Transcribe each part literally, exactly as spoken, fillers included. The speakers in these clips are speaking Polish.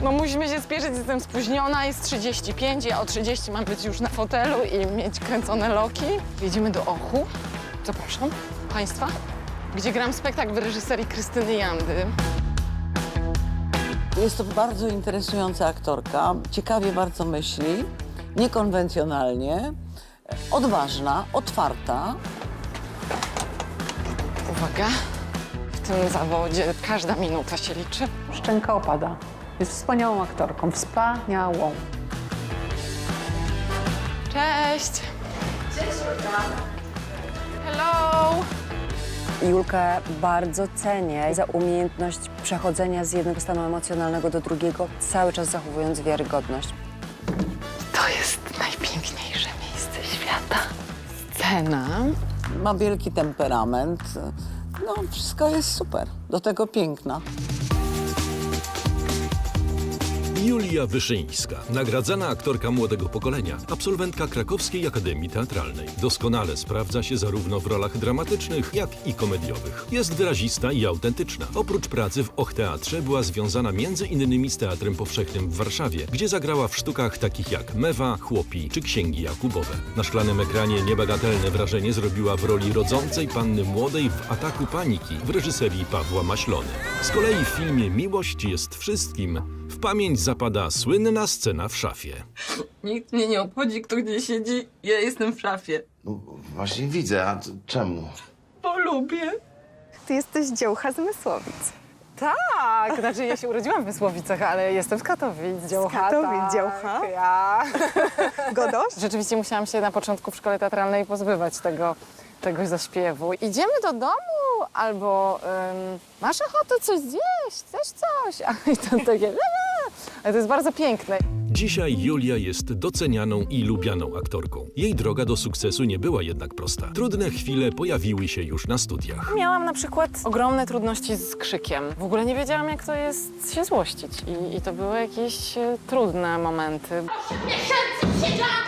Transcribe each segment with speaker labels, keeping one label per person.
Speaker 1: No musimy się spieszyć, jestem spóźniona, jest trzydzieści pięć, ja o trzydzieści mam być już na fotelu i mieć kręcone loki. Jedziemy do Ochu, zapraszam Państwa, gdzie gram spektakl w reżyserii Krystyny Jandy.
Speaker 2: Jest to bardzo interesująca aktorka, ciekawie bardzo myśli, niekonwencjonalnie, odważna, otwarta.
Speaker 1: Uwaga, w tym zawodzie każda minuta się liczy.
Speaker 3: Szczęka opada. Jest wspaniałą aktorką, wspaniałą.
Speaker 1: Cześć! Cześć, Julka! Hello!
Speaker 4: Julkę bardzo cenię za umiejętność przechodzenia z jednego stanu emocjonalnego do drugiego, cały czas zachowując wiarygodność.
Speaker 1: To jest najpiękniejsze miejsce świata. Scena.
Speaker 2: Ma wielki temperament. No, wszystko jest super. Do tego piękna.
Speaker 5: Julia Wyszyńska, nagradzana aktorka młodego pokolenia, absolwentka Krakowskiej Akademii Teatralnej. Doskonale sprawdza się zarówno w rolach dramatycznych, jak i komediowych. Jest wyrazista i autentyczna. Oprócz pracy w Och Teatrze była związana między innymi z Teatrem Powszechnym w Warszawie, gdzie zagrała w sztukach takich jak Mewa, Chłopi czy Księgi Jakubowe. Na szklanym ekranie niebagatelne wrażenie zrobiła w roli rodzącej panny młodej w Ataku Paniki w reżyserii Pawła Maślony. Z kolei w filmie Miłość jest wszystkim w pamięć zapada słynna scena w szafie.
Speaker 6: Nikt mnie nie obchodzi, kto gdzie siedzi. Ja jestem w szafie.
Speaker 7: No właśnie widzę, a t- czemu?
Speaker 6: Bo lubię.
Speaker 8: Ty jesteś dziołcha z Mysłowic.
Speaker 1: Tak, znaczy ja się urodziłam w Mysłowicach, ale jestem z Katowic, dziołcha.
Speaker 8: Katowic,
Speaker 1: tak,
Speaker 8: dziołcha?
Speaker 1: Ja.
Speaker 8: Godosz?
Speaker 1: Rzeczywiście musiałam się na początku w szkole teatralnej pozbywać tego, tego zaśpiewu. Idziemy do domu albo ym, masz ochotę coś zjeść, chcesz coś? A i to takie, ale to jest bardzo piękne.
Speaker 5: Dzisiaj Julia jest docenianą i lubianą aktorką. Jej droga do sukcesu nie była jednak prosta. Trudne chwile pojawiły się już na studiach.
Speaker 1: Miałam na przykład ogromne trudności z krzykiem. W ogóle nie wiedziałam, jak to jest się złościć. I, i to były jakieś e, trudne momenty.
Speaker 9: Miesięcy siedziałam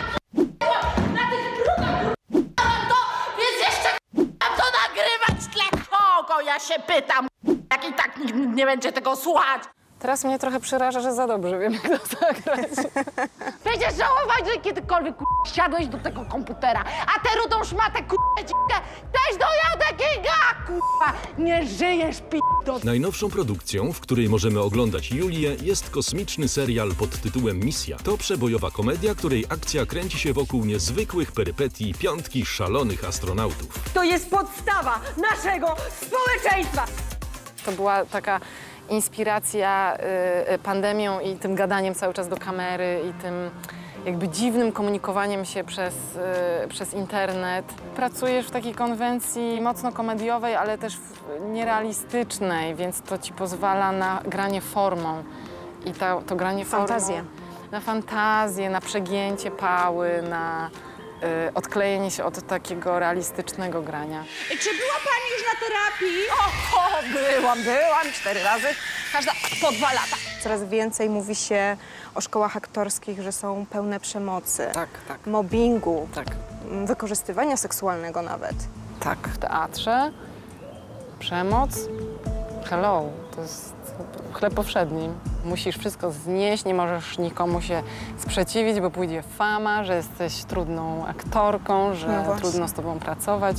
Speaker 9: na tych drugach, to więc jeszcze mam to nagrywać w tle. Kogo ja się pytam, jak i tak nikt nie będzie tego słuchać.
Speaker 1: Teraz mnie trochę przeraża, że za dobrze wiem, jak to zagrać.
Speaker 9: Będziesz żałować, że kiedykolwiek k***, siadłeś do tego komputera, a tę rudą szmatę k***ę dzikę też do Jadek Kinga, k***a. Nie żyjesz, p***do.
Speaker 5: Najnowszą produkcją, w której możemy oglądać Julię, jest kosmiczny serial pod tytułem Misja. To przebojowa komedia, której akcja kręci się wokół niezwykłych perypetii piątki szalonych astronautów.
Speaker 9: To jest podstawa naszego społeczeństwa.
Speaker 1: To była taka inspiracja y, y, pandemią i tym gadaniem cały czas do kamery i tym jakby dziwnym komunikowaniem się przez, y, przez internet. Pracujesz w takiej konwencji mocno komediowej, ale też w- nierealistycznej, więc to ci pozwala na granie formą. I ta, to granie
Speaker 8: Fantazję.
Speaker 1: formą... Na fantazję, na przegięcie pały, na y, odklejenie się od takiego realistycznego grania.
Speaker 9: Czy była pani już na terapii?
Speaker 1: O, byłam, byłam cztery razy, każda po dwa lata.
Speaker 8: Coraz więcej mówi się o szkołach aktorskich, że są pełne przemocy,
Speaker 1: Tak, tak,
Speaker 8: mobbingu,
Speaker 1: tak.
Speaker 8: m, wykorzystywania seksualnego nawet.
Speaker 1: Tak, w teatrze przemoc, hello, to jest chleb powszedni. Musisz wszystko znieść, nie możesz nikomu się sprzeciwić, bo pójdzie fama, że jesteś trudną aktorką, że
Speaker 8: No właśnie.
Speaker 1: trudno z tobą pracować.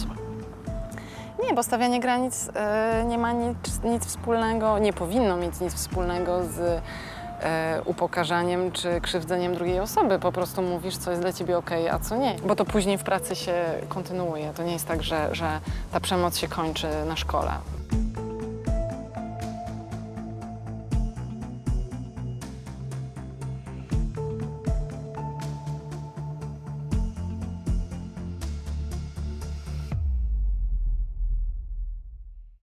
Speaker 1: Nie, bo stawianie granic e, nie ma nic, nic wspólnego, nie powinno mieć nic wspólnego z e, upokarzaniem czy krzywdzeniem drugiej osoby. Po prostu mówisz, co jest dla ciebie okej, a co nie. Bo to później w pracy się kontynuuje. To nie jest tak, że, że ta przemoc się kończy na szkole.